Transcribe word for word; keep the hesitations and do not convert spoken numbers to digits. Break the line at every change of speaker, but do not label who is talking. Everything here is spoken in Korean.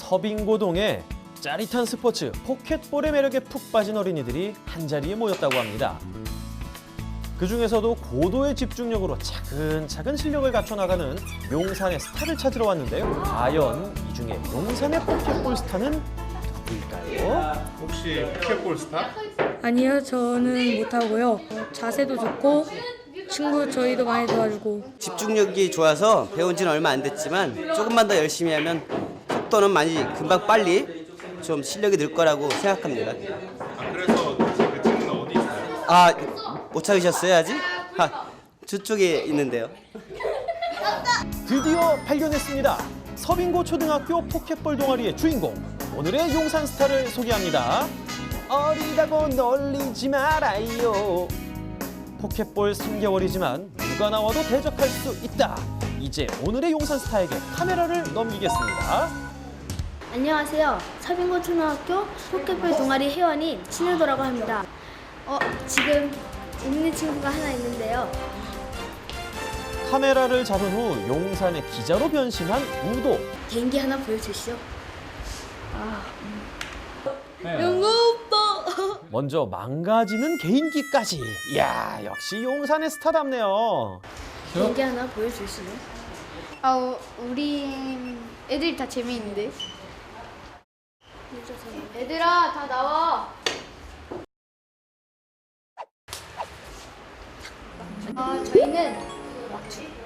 서빙고동에 짜릿한 스포츠 포켓볼의 매력에 푹 빠진 어린이들이 한자리에 모였다고 합니다. 그중에서도 고도의 집중력으로 차근차근 실력을 갖춰나가는 용산의 스타를 찾으러 왔는데요. 과연 이 중에 용산의 포켓볼 스타는 누구일까요?
혹시 포켓볼 스타?
아니요, 저는 못하고요. 자세도 좋고 친구 저희도 많이 도와주고
집중력이 좋아서 배운 지는 얼마 안 됐지만 조금만 더 열심히 하면 속도는 많이 금방 빨리 좀 실력이 늘 거라고 생각합니다.
아, 그래서 그 친구는 어디 있어요?
아, 못 찾으셨어요 아직? 아, 저쪽에 있는데요.
드디어 발견했습니다. 서빙고 초등학교 포켓볼 동아리의 주인공, 오늘의 용산 스타를 소개합니다. 어리다고 놀리지 말아요. 포켓볼 삼 개월이지만 누가 나와도 대적할 수 있다. 이제 오늘의 용산 스타에게 카메라를 넘기겠습니다.
안녕하세요. 서빙고 초등학교 포켓볼 동아리 회원인 신효도라고 합니다. 어, 지금 있는 친구가 하나 있는데요.
카메라를 잡은 후 용산의 기자로 변신한 우도.
개인기 하나 보여주시죠.
먼저 망가지는 개인기까지. 이야, 역시 용산의 스타답네요.
개인기 하나 보여주시죠.
아, 우리 애들이 다 재미있는데. 얘들아, 다 나와. 아, 저희는